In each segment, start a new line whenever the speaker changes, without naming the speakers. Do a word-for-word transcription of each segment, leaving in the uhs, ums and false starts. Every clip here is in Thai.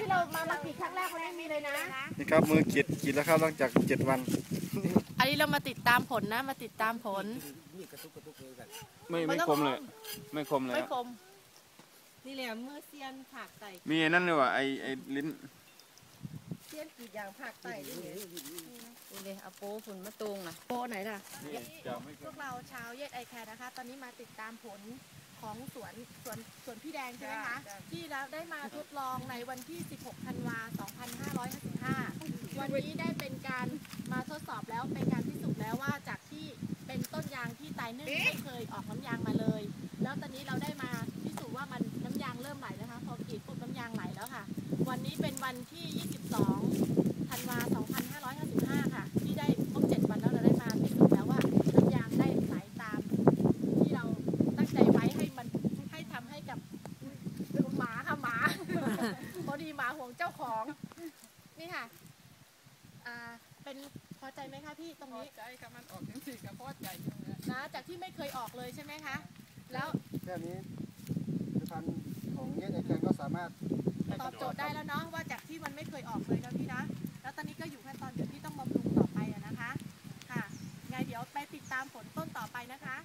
ที่เรามามากรีดครั้งแรกเขาไม่มีเลยนะ
นี่ครับมือกรีดกรีดแล้วครับหลังจากเจ็ดวัน
อันนี้เรามาติดตามผลนะมาติดตามผล
ไม่ไม่คมเลยไม่คมเลย
ไม่คมนี่แหละเมื่อเซียนผักไต่
มีนั่นเลยว่ะไอไอลิ้น
เซียนกรีดอย่างผักไต่นี่เลย
นี่เลยเอาโป้ฝุ่นมาตุงอ่ะ
โปไหนล่ะพวกเราชาวเยดไอแคร์นะคะตอนนี้มาติดตามผลของสวนสวนสวนพี่แดงใช่ไหมคะที่เราได้มาทดลองในวันที่สิบหกธันวาคมสองพันห้าร้อยห้าสิบห้าวันนี้ได้เป็นการมาทดสอบแล้วเป็นการพิสูจน์แล้วว่าจากที่เป็นต้นยางที่ตายนึ่งไม่เคยออกน้ำยางมาเลยแล้วตอนนี้เราได้มาพิสูจน์ว่ามันน้ำยางเริ่มไหลนะคะพอกรีดปุ๊บน้ำยางไหลแล้วค่ะวันนี้เป็นวันที่ยี่สิบสองธันวาคมสองพันห้าร้อยห้าสิบห้าค่ะที่ได้ครบเจ็ดวันแล้วเราได้มาพิสูจน์แล้วว่าน้ำยางได้ไหลตามที่เราตั้งใจไว้ให้มันให้ทำให้กับหมาค่ะหมาพอดีหมาห่วงเจ้าของนี่ค่ะอ่าเป็นพอใจไหมคะพี่ตรงนี้
พอใจค่ะมันออกจังสี่กับพอใจ
นะจากที่ไม่เคยออกเลยใช่ไหมคะแล้ว
แค่นี้ผลิตภัณฑ์ของเยดไอแคนก็สามารถ
ตอบโจทย์ได้แล้วเนาะว่าจากที่มันไม่เคยออกเลยนะพี่นะแล้วตอนนี้ก็อยู่ขั้นตอนเดี๋ยวพี่ต้องบำรุงต่อไปอะนะคะค่ะไงเดี๋ยวไปติดตามผลต้นต่อไปนะคะ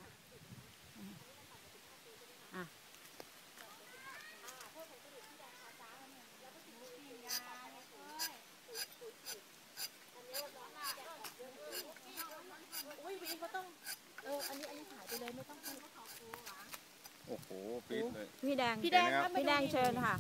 อุ้ยวีเขาต้องเอออันนี้อันนี้ถ่ายไปเลยไม่ต้องพูด
โอ้โหปิดเลย
พี่แดง
พี่แดง
พี่แดงเชิญค่ะ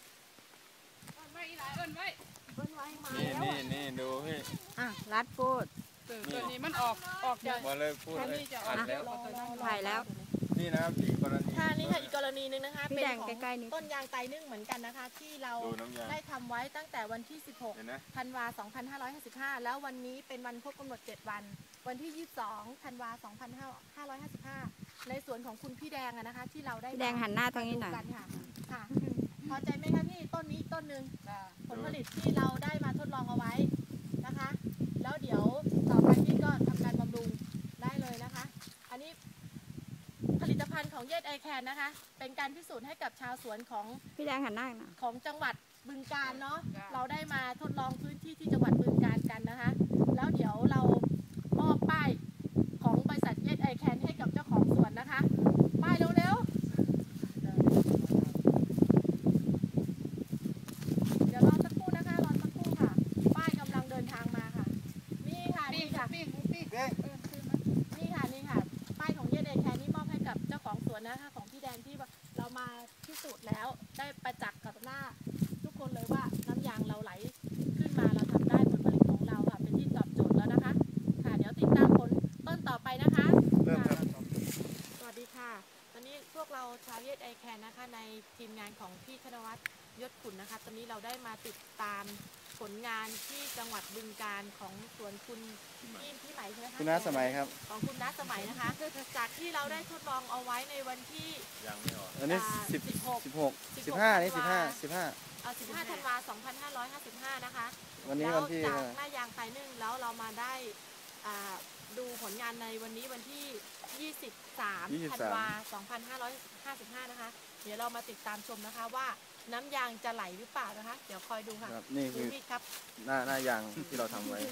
นี่นี่นี่ดูพี่
อ่ะรัดพูด
ตัวนี้มันออกออก
เดี๋ยวมาเลยพูดเลยอัดแล้ว
ถ่ายแล้ว
นี่นะครับอีกกรณี
ค่ะนี่ค่ะอีกกรณีนึงนะคะ
เป็นของ
ต้นยางไตนึ่งเหมือนกันนะคะที่เราได้ทำไว้ตั้งแต่วันที่สิบหกธันวาคมสองพันห้าร้อยห้าสิบห้าแล้ววันนี้เป็นวันครบกำหนดเจ็ดวันวันที่ยี่สิบสองธันวาคมสองพันห้าร้อยห้าสิบห้าในสวนของคุณพี่แดงนะคะที่เราได้
พี่แดงหันหน้าทางนี้หน่อย
ค่ะค่ะพอใจไหมคะพี่ต้นนี้ต้นหนึ่งผลผลิตที่เราได้มาทดลองเอาไว้นะคะแล้วเดี๋ยวต่อไปพี่ก็ทำการบำรุงได้เลยนะคะอันนี้ผลิตภัณฑ์ของเยดไอแคนนะคะเป็นการพิสูจน์ให้กับชาวสวนของ
พี่แดงหันหน้าหน่อย
ของจังหวัดบึงกาฬเนาะเราได้มาทดลองพื้นที่ที่จังหวัดบึงกาฬกันนะคะแล้วเดี๋ยวเรามอบป้ายของบริษัทเยดไอแคนให้กับเจ้าของสวนนะคะป้ายเร็วๆเดี๋ยวรอสักครู่นะคะรอสักครู่ค่ะป้ายกำลังเดินทางมาค่ะนี่ค่ะนี่ค่ะนี่ค่ะนี่ค่ะป้ายของเยดไอแคนนี่มอบให้กับเจ้าของสวนนะคะของพี่แดงที่เรามาพิสูจน์แล้วได้ประจักษ์กับหน้าทุกคนเลยว่าน้ำยางเราไหลขึ้นมาเราทำได้ผลผลิตของเราค่ะเป็นที่ตอบโจทย์แล้วนะคะค่ะเดี๋ยวติดตามผลต้นต่อไปนะคะสวัสดีค่ะตอนนี้พวกเราชาวเยดไอแคนนะคะในทีมงานของพี่ธนวัฒน์ยศขุนนะคะตอนนี้เราได้มาติดตามผลงานที่จังหวัดบึงกาฬของสวนคุณพี่พี่ไหมใช่ไหมคะ
คุณน้าสมัยครับ
ของคุณน้าสมัยนะคะจากที่เราได้ทดลองเอาไว้ในวันที่
ยังไม่ออก
อันนี้สิบสิบหกสิบหกสิบห้านี่สิบห้าสิบห้า
เอาสิบห้าธันวาคมสองพันห้าร้อยห้าสิบห้านะคะ
วันนี้วันที่
จากหน้ายางไตนึ่งแล้วเรามาได้ดูผลงานในวันนี้วันที่ยี่สิบสามธันวาคมสองพันห้าร้อยห้าสิบห้านะคะเดี๋ยวเรามาติดตามชมนะคะว่าน้ำยางจะไหลหรือเปล่านะคะเดี๋ยวคอยดูค่ะ
นี่คือหน้าหน้ายางที่เราทำไว้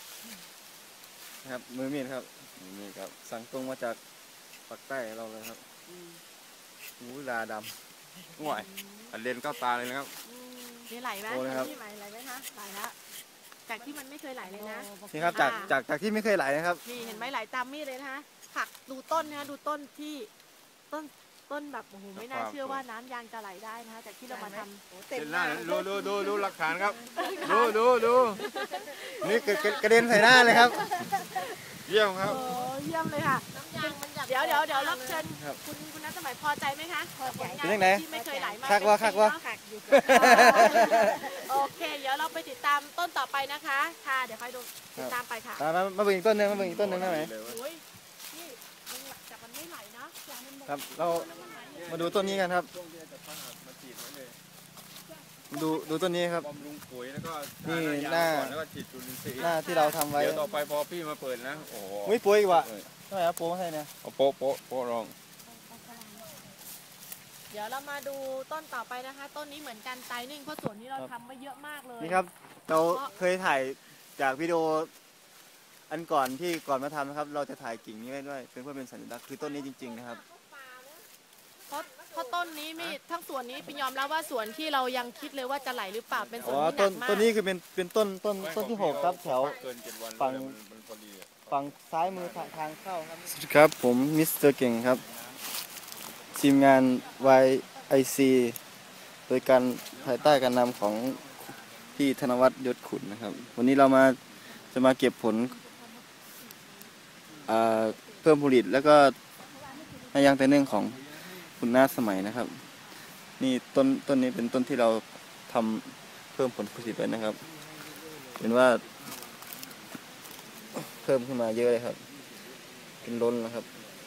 นะครับมือมีดครับมือมีดครับสั่งตรงมาจากปากใต้เราเลยครับหูลาดำ
ห่วยอันเลนเข้าตาเลยนะครับ
นี่ไหลไหมที่ไหลไหลไหมคะไหลแล้วจากที่มันไม่เคยไหลเลยนะ
นี่ครับจากจากจากที่ไม่เคยไหลนะครับ
นี่เห็นไหมไหลตามมีดเลยนะคะผักดูต้นนะคะดูต้นที่ต้นต้นแบบโอ้โหไม่น่าเชื่อว่าน้ำยางจะไหลได้นะคะจากที่เรามาทำ
เต็มหน้าดูดูดูดูหลักฐานครับดูดูดู
นี่กระเด็นใส่หน้าเลยครับ
เยี่ยมครับ
โอ้เยี่ยมเลยค่ะเดี๋ยวเดี๋ยวเดี๋ยวรับเชิญคุณคุณนัทสมัยพอใจไหมคะพอใจที่ไม่เคยไหลมา
คักว่าคักว่า
โอเคเดี๋ยวเราไปติดตามต้นต่อไปนะคะค่ะเดี๋ยวคอยดูติดตามไปค่ะ
มามาเบิ่งอีกต้นนึงมาเบิ่งอีกต้นนึงได้ไหม
นี่จากมันไม่ไหลนะครับ
เรามาดูต้นนี้กันครับดูดูต้นนี้ครับ
บำรุงปุ๋ยแล้วก็
นี่หน้า
แล้วก็ฉีดจุลินทรีย์
หน้าที่เราทำไว้
เดี๋ยวต่อไปพอพี่มาเปิดนะโอ้โห
ไม่ปุ๋ยอีกว่ะทำไมครับโป๊ะให้เนี่ย
โป๊ะโป๊ะโป๊ะรอง
เดี๋ยวเรามาดูต้นต่อไปนะคะ ต้นนี้เหมือนกันไตนึ่งเพราะสวนนี้เราทำไว้เยอะมากเลย
นี่ครับเราเคยถ่ายจากวิดีโออันก่อนที่ก่อนมาทำนะครับ เราจะถ่ายกิ่งนี้ไว้ด้วยเป็นเพื่อเป็นสัญลักษณ์คือต้นนี้จริงๆนะครับ
เพราะเพราะต้นนี้มีทั้งสวนนี้เป็นยอมรับว่าสวนที่เรายังคิดเลยว่าจะไหลหรือเปล่าเป็นสวน
อ๋อ
ที่ห
ต้
นั
น
กมาก
ต้นนี้คือเป็นเป็นต้นต้นต้นที่หกครับแถว
เกินเจ็ดวัน
ฝั่ง
มันมันพอดีอะ
ฝั่งซ้ายมือทางเข้าครับสวัสดีครับผมมิสเตอร์เก่งครับทีมงาน วาย ไอ ซี โดยการภายใต้การนำของพี่ธนวัฒน์ยศขุนนะครับ วันนี้เรามาจะมาเก็บผลอ่าเพิ่มผลิตแล้วก็นายางแต่เนื่องของคุณนาสมัยนะครับ นี่ต้นต้นนี้เป็นต้นที่เราทำเพิ่มผลผลิตไว้นะครับเห็นว่า เพิ่มขึ้นมาเยอะเลยครับ เป็นล้นนะครับ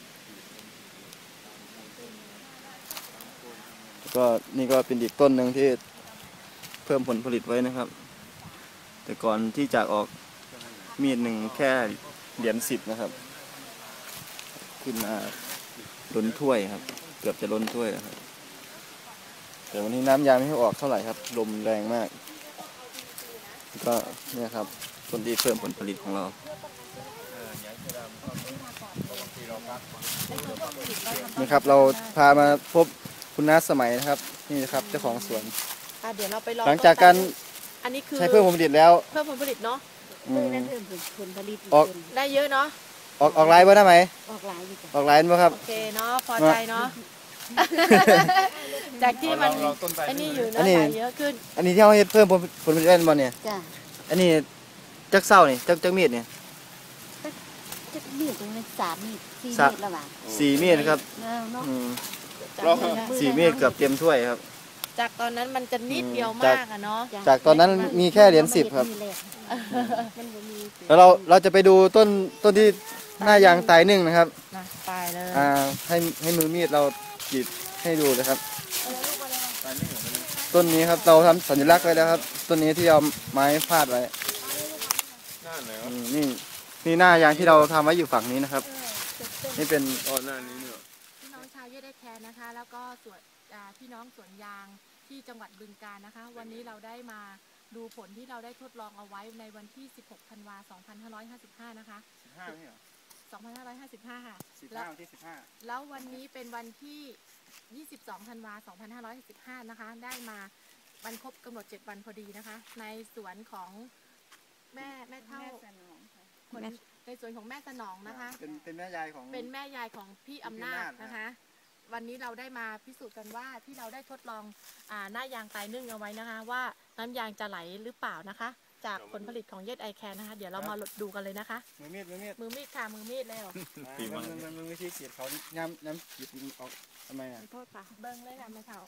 แล้วก็นี่ก็เป็นอีกต้นหนึ่งที่เพิ่มผลผลิตไว้นะครับ แต่ก่อนที่จะออกมีดหนึ่งแค่เหรียญสิบนะครับ ขึ้นมาล้นถ้วยครับ เกือบจะล้นถ้วยแล้วครับแต่วันนี้น้ำยางไม่ให้ออกเท่าไหร่ครับ ลมแรงมากก็เนี่ยครับต้นที่เพิ่มผลผลิตของเรา นี่ครับเราพามาพบคุณน้าสมัยนะครับ นี่นะครับเจ้าของสวน
อ่ะเดี๋ยวเราไปลอง
หลังจากการ
อันนี้คือ
ใช้เพิ่มผลผลิตแล้ว
เพิ่มผลผลิตเนาะ
อืม
เพิ่มผลผลิต
ออก
ได้เยอะเนาะ
ออกออกไลน์บ่ได้ไหม
ออกหลายอยู่จ้ะ
ออกไลน์บ่ครับ
โอเคเนาะพอใจเนาะ จากที่มัน
เราต้นไทร
อันนี้อยู่
อั
เนาะ
นนี้
ไหลเยอะขึ้น
อันนี้ที่เขาเฮ็ดเพิ่มผลผลผลิตได้บ่เนี่ย
จ้ะ
อันนี้จักเศร้านี่จักจักมีดเนี่ย
จะมีดตรงนี้สามมีดสี่
สาม
มีดแล้วว่ะ
สี่มีดครับ
เออเนาะ
อืม
จากนั้นนะ
สี่มีดเกือบเต็มถ้วยครับ
จากตอนนั้นมันจะนิดเดียว
จาก
มากอะเนาะ
จ้ะ
จากตอนนั้นมีแค่เหรียญสิบครับ
มันมีแหละมันบ่มี
แล้วเราเราจะไปดูต้นต้นที่หน้ายางตายนึ่งนะครับ
นะไปเลย
อ่าให้ให้มือมีดเรากรีดให้ดูนะครับ ต้นนี้ครับเราทำสัญลักษณ์ไว้แล้วครับต้นนี้ที่เอาไม้พาดไว้
หน้าไหน
อื
วะ
มนี่นี่หน้ายางที่เราทำไว้อยู่ฝั่งนี้นะครับ นี่เป็น
อ๋อหน้านี้เนี่ย
พี่น้องชาวเยดได้แคร์นะคะ แล้วก็สวนอ่าพี่น้องสวนยางที่จังหวัดบึงกาฬนะคะ วันนี้เราได้มาดูผลที่เราได้ทดลองเอาไว้ในวันที่ สิบหก ธันวาคม สองพันห้าร้อยห้าสิบห้า นะคะ
สิบห้านี่เหรอ
สองพันห้าร้อยห้าสิบห้า ค่ะ
สิบ
แล้
ห้าว วันที่สิบห้า
แล้ววันนี้เป็นวันที่ ยี่สิบสอง ธันวาคม สองพันห้าร้อยสิบห้า นะคะ ได้มาวันครบกำหนดเจ็ดวันพอดีนะคะ ในสวนของแม่แม่เท่าคนในสวนของแม่สนองนะคะ
เป็นเป็นแม่ยายของ
เป็นแม่ยายของพี่อำนาจนะคะ วันนี้เราได้มาพิสูจน์กันว่าที่เราได้ทดลองอ่าหน้ายางตายนึ่งเอาไว้นะคะ ว่าน้ำยางจะไหลหรือเปล่านะคะ จากผลผลิตของเยดไอแคนนะคะ เดี๋ยวเรามาดูกันเลยนะคะ
มือมีดมือมีด
มือมีดค่ะมือมีดแล้ว
มันมันมันวิธีกรีดเขาน้ำน้ำกรีดออกทำไมอ่ะ
ขอโทษค่ะ
เบิ้งเลยค่ะแม่เท่า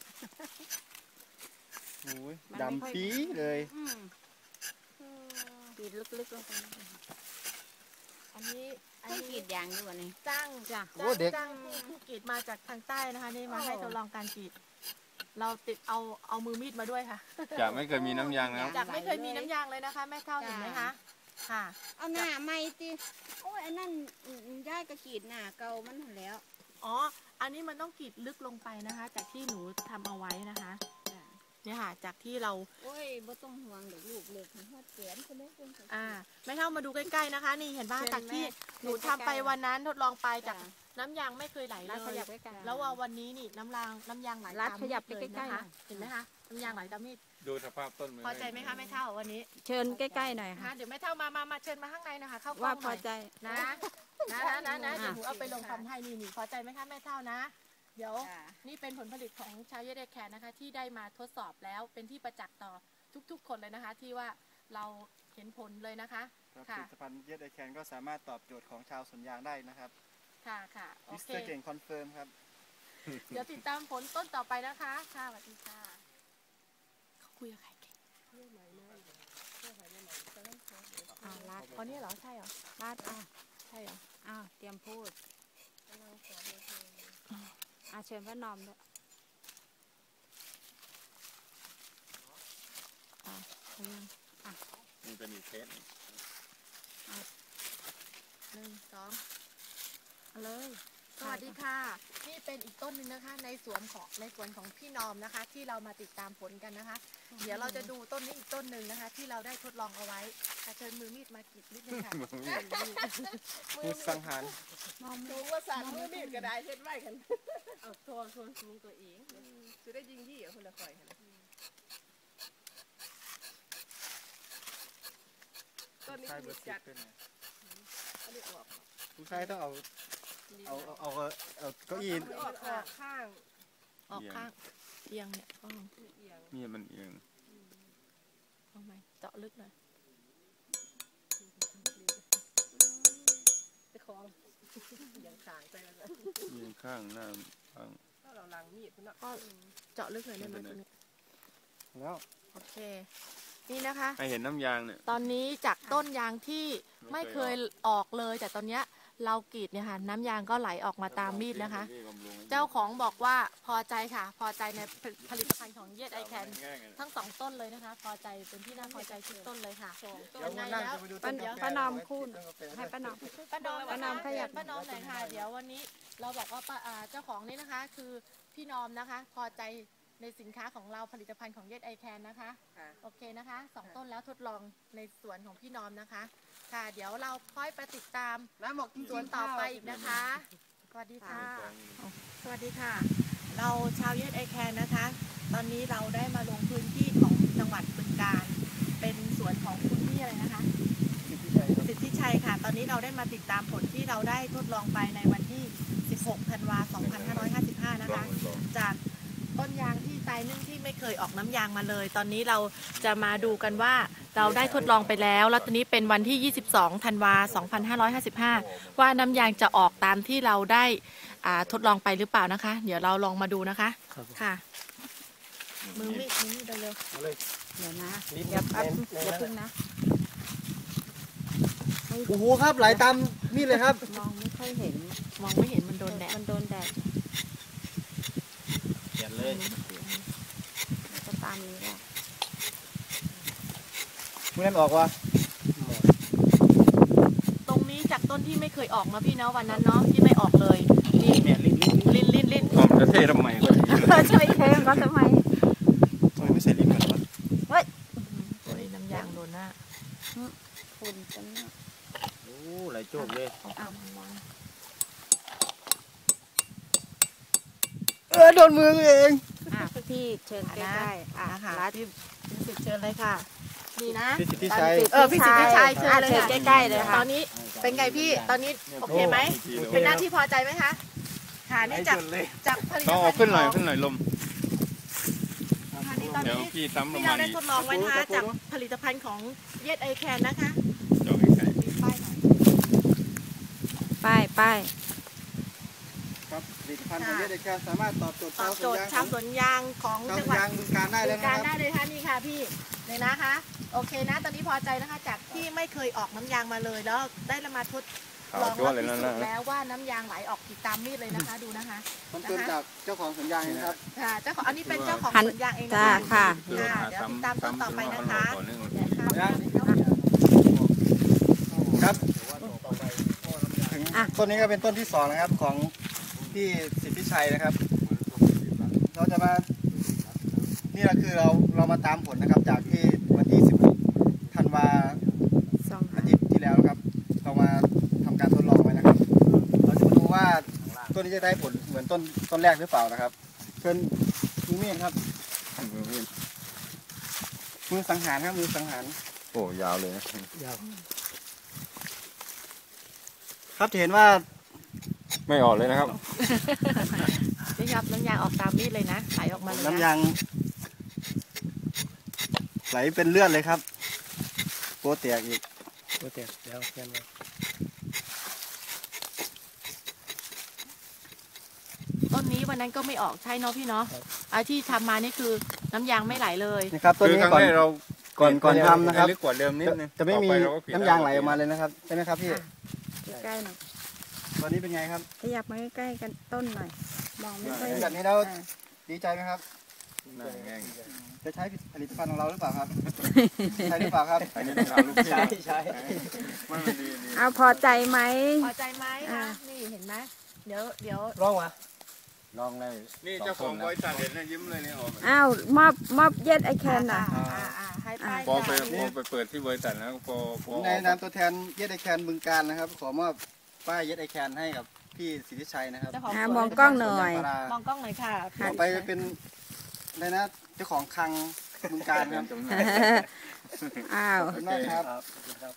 โอ้ย
มันไม่ค่อย
ดำปี๊เลย
อืมกรีดลึกๆลงไป
อันนี้อัน
ให้กรี
นี้
ดยางอยู่วันนี้
จ้าง
จ้ะ
จ้างจ้างผู้กรีดมาจากทางใต้นะคะนี่มาให้ทดลองการกรีด เราติดเอาเอามือมีดมาด้วยค่ะ
จากไม่เคยมีน้ำยางนะครับ
จากไม่เคยมีน้ำยางเลยนะคะ แม่เท่าเห็นไหมคะค่ะ
เอาหน้าไม่ติโอ้ยอันนั้นย่ายกระกรีดหน้าเก่ามันหั่นแล้ว
อ๋อ อันนี้มันต้องกรีดลึกลงไปนะคะ จากที่หนูทำเอาไว้นะคะ
จ้ะ
เนี่ยค่ะ จากที่เรา
โอ้ยบ่ต้องห่วงเดี๋ยวลูกเล็กหัวแขนคนนี้คน
อ่าแม่เท่ามาดูใกล้ๆนะคะ นี่เห็นป่ะ
เชิญ
จากที่
แม่
หนูทำไปวันนั้นทดลองไปจาก
จ้ะ
น้ำยางไม่เคยไหลเล
รัดข
ย
ยับใกล้ๆ
แล้วว่าวันนี้นี่น้ำรางน้ำยางไหล
รัด
ตาม
ขยับ
มีด
ไปใกล้ๆ
นะคะ
หน่อย
เห็นไหมคะน้ำยางไหลตามมีด
ดูสภาพต้น
พอใจไหมคะแม่เท่าวันนี้
เชิญใกล้ๆหน่อย
นะ
ค่ะ
เดี๋ยวแม่เท่ามามามาเชิญมาข้างในนะคะเข้ากล้
ว่า
องห
พ
น่
อ
อย
ใจ
นะนะนะนะนะเดี๋ยว
อ่ะ
หนูเอาไปลงความให้นี่นี่พอใจไหมคะแม่เท่านะ เดี๋ยว นี่เป็นผลผลิตของชาวเยเดแคนนะคะ ที่ได้มาทดสอบแล้วเป็นที่ประจักษ์ต่อทุกๆ คนเลยนะคะ ที่ว่าเราเห็นผลเลยนะคะ
ครับ
ค่ะ
ผลิตภัณฑ์เยดไอแคนก็สามารถตอบโจทย์ของชาวสวนยางได้นะครับ
ค่ะค่ะโอ
มิส
เค
เตอร์เก่งคอนเฟิร์มครับ
เดี๋ยวติดตามผลต้นต่อไปนะคะค่ะสวัสดีค่ะเขาคุยกับใครเก่ง
อ่ารัด
อ๋อเนี่ยเหรอใช่เหรอ
รัดอ่ะ
ใช่เหรอ
อ้าวเตรียมพูดอ่าเชิญพระนอมด้วย
เอายัง
มันเป็นอีกเคส
หนึ่งสองเอาเลย สวัสดีค่ะนี่เป็นอีกต้นหนึ่งนะคะ ในสวนของในสวนของพี่นอมนะคะ ที่เรามาติดตามผลกันนะคะ เดี๋ยวเราจะดูต้นนี้อีกต้นหนึ่งนะคะ ที่เราได้ทดลองเอาไว้ค่ะเชิญมือมีดมากรีดนิดนึงค่ะ
มือสังหาร
สูงว่าสั่นมือมีดก็ได้เฮ็ดไว้กันเอาโทนโทนสูงตัวเองจะได้ยิงยี่เอาคนละคอยกันต้นนี้มีจัดอันนี้ออก
ผู้ชายต้องเอาเอาเอาเอาเก้าอี้
ออกข้าง
ออกข้างเอียงเนี่ยอ้อม
เอียง
มีดมันเอียง
เอาไหมเจาะลึกหน่อย
จะคล้องอย่างขางไปแล้วนะ
เอียงข้างหน้าข้าง
ถ้าเราล้างมีดเนาะ
ก็เจาะลึกหน่อยได้ไหมตรงนี้
แล้ว
โอเค นี่นะคะ
ให้เห็นน้ำยางเนี่ย
ตอนนี้จากต้นยางที่ไม่เคยออกเลย แต่ตอนเนี้ยเรากรีดเนี่ยค่ะน้ำยางก็ไหลออกมาตามมีดนะคะ เจ้าของบอกว่าพอใจค่ะ พอใจในผลิตภัณฑ์ของเยดไอแคนทั้งสองต้นเลยนะคะ พอใจเป็นที่น่าพอใจทุกต้นเลยค่ะยังไงแล้ว
ป้าป้านอมคุณให้ป้านอม
ป้านอม
ป้านอมขยับ
ป้านอมหน่อยค่ะ เดี๋ยววันนี้เราบอกว่าป้าอ่าเจ้าของนี่นะคะ คือพี่นอมนะคะ พอใจในสินค้าของเราผลิตภัณฑ์ของเยดไอแคนนะคะ โอเคนะคะสองต้นแล้วทดลองในสวนของพี่นอมนะคะ ค่ะ เดี๋ยวเราค่อยไปติดตาม
น้ำหมก
สวนต่อไปอีกนะคะ สวัสดีค่ะ สวัสดีค่ะ เราชาวเยดไอแคนนะคะ ตอนนี้เราได้มาลงพื้นที่ของจังหวัดบึงกาฬเป็นสวนของคุณพี่อะไรนะคะ สิทธิชัยค่ะ ตอนนี้เราได้มาติดตามผลที่เราได้ทดลองไปในวันที่ สิบหก ธันวาคม สองพันห้าร้อยห้าสิบห้า นะคะ จากต้นยางที่ตายนึ่งที่ไม่เคยออกน้ำยางมาเลย ตอนนี้เราจะมาดูกันว่าเราได้ทดลองไปแล้ว แล้วตอนนี้เป็นวันที่ ยี่สิบสอง ธันวาคม สองพันห้าร้อยห้าสิบห้า ว่าน้ำยางจะออกตามที่เราได้อ่าทดลองไปหรือเปล่านะคะ เดี๋ยวเราลองมาดูนะคะ ค่ะ มือมีดมือมีดเร็ว
เดี๋ยวนะเดี๋ยวแป๊บเดี๋ยวพึ่งนะ
โอ้โหครับไหลตามมีดเลยครับ
มองไม่ค่อยเห็น
ๆมองไม่เห็นมันโดนแดด
มันโดนแดด
เขียนเลย
มันก็ตามนี้แหละ
มือนั่นออกวะ
ตรงนี้จากต้นที่ไม่เคยออกนะพี่เนาะวันนั้นเนาะที่ไม่ออกเลยนี่
เนี่ยลิ้นลิ้น
ลิ้นลิ้นลิ้น
ผมจะเททำไมก็
ช่วยเทมก็ทำไม
ทำไมไม่ใส่ลิ้นเหมือนวะ
โอ้ยน้ำยางโดนหน้า
ฝุ่นจังเนี่ย
โอ้ไหลโจกเลย
เอาเอาวาง
เออโดนมือเอง
อ่ะพี่เชิญใกล้ๆอ่ะ
นะคะ
รัด
พี่สิทธิ์เชิญเลยค่ะนี่นะ
พี่สิทธิชัย
เออพี่สิทธิชัยเชิญเลย
เชิญ
ค่ะ
ใกล้ๆเลย
ต
ค่ะ
อนนี้เป็นไงพี่ตอนนี้โอเคไหมเป็นหน้าที่พอใจไหมคะค่ะนี่จากจากผลิต
ต้อง
ภั
เอา
ณฑ์
ขึ้นหน่อย
ของ
ขึ้นหน่อยลม
ค่ะนี่ตอน
เดี๋ยว
นี้
พี่ซ้ำลง
ที่
มา
เราได้
อีก
ทดลองไว้นะคะจากผลิตภัณฑ์ของเยดไอแคนนะคะ
เดี๋ยวใกล้
มีป้ายหน่อย
ป้ายป้าย
ครับผลิตภัณฑ์ของเยดไอแคนสามารถตอบโจทย์
ตอบโจทย์ชาวสวนยางของ
ชาว
จัง
ส
ห
วน
วัด
ยางบึงการได้เลย
บึง
นะ
การ
ครับ
ได้เลยค่ะนี่ค่ะพี่เลยนะคะ โอเคนะ ตอนนี้พอใจนะคะ จากที่ไม่เคยออกน้ำยางมาเลย แล้วได้มาทด
ๆขาว
ลอง
จั่ว
แล้ว
เลย
พิ
นั่น
สูจ
นะ
น์แล้วว่าน้ำยางไหลออกติดตามมีดเลยนะคะ ดูนะคะ
มันเป็นจากเจ้าของสวนยางนะครับ
ค่ะเจ้าของอันนี้เป็นเจ้าของสวนยางเองนะ
จ้า
คะ
ค่ะ
ค่ะเดี๋ยวติดตามต้นต่อไปนะคะ
ต่อเนื่อง
เดี๋ยวค่ะ
ครับถึงต้นนี้ก็เป็นต้นที่สองนะครับของพี่สิทธิชัยนะครับ เราจะมานี่ก็คือเราเรามาตามผลนะครับ จากที่วันที่สิบหกธันวา
สอง
อาทิตย์ที่แล้วนะครับ เรามาทำการทดลองไว้นะครับ เราจะมาดูว่าต้นนี้จะได้ผลเหมือนต้นต้นแรกหรือเปล่านะครับเชิญมือมีดครับมือสังหารครับมือสังหาร
โอ้ยาวเลยนะ
ครับจะเห็นว่า
ไม่ออกเลยนะครับ
นี่ครับน้ำยางออกตามมีดเลยนะไหลออกมาเลย
น้ำ
นะ
ยางไหลเป็นเลือดเลยครับโปแตกอีกโปแตกแล้วแค่นี้
ต้นนี้วันนั้นก็ไม่ออกใช่เนาะพี่เนาะไอ้ที่ทำมานี่คือน้ำยางไม่ไหลเลย
นี่ครับต้น
คือ
นี้
ครั้ง
ก่อน
แรกเรา
ก่อนก่อนทำนะครับ
ลึกกว่าเดิมนิดนึง
จะไม่มี
ต่อปเรก็เปลี่
น้ำยางไหลออกมาเลยนะครับใช่ไหมครับพี่
ใกล้ๆหน่อย
ตอนนี้เป็นไงครับ
ขยับมาใกล้ๆกันต้นหน่อย มองไม่ค่อย
แบ
เห็
บ
น
นี้เรา
อ่า
ดีใจไหมครับ
หน้าแห้ง
จะใช้ผลิตภัณฑ์ของเราหรือเปล่าครับ ใช่หรือเปล่าครับ
อันนี้ต้องถามลูกพี่
ใช่ใช่
ไม่มันดีดี
เอาพอใจไหม
พอใจไหม
อ่า
คะนี่เห็นไหมเดี๋ยวเดี๋ยว
ร้องวะ
ลองเลย
นี่เจ้าของบริษัทเห็นนะยิ้มเลยเนี่ยออก
อ้าวมอบมอบเย็ดไอแคนน่ะ
อ่าอ่าอ่าให้ป้าย
พอไป
ยา
พอไปเปิดที่บริษัทแล้วพอพ
ผ
อ
มในนามตัวแทนเย็ดไอแคนบึงการนะครับ ขอมอบป้ายเย็ดไอแคนให้กับพี่สิทธิชัยนะครับ
เจ้าของ
อ่า
สวน
มองกล้องหน่อย
ปลาม
องกล้องหน่อยค่ะ
ต่อไปเป็นอะไรนะเจ้าของคลังบึงการครับ
อ้าว
ขอบคุณมากครับ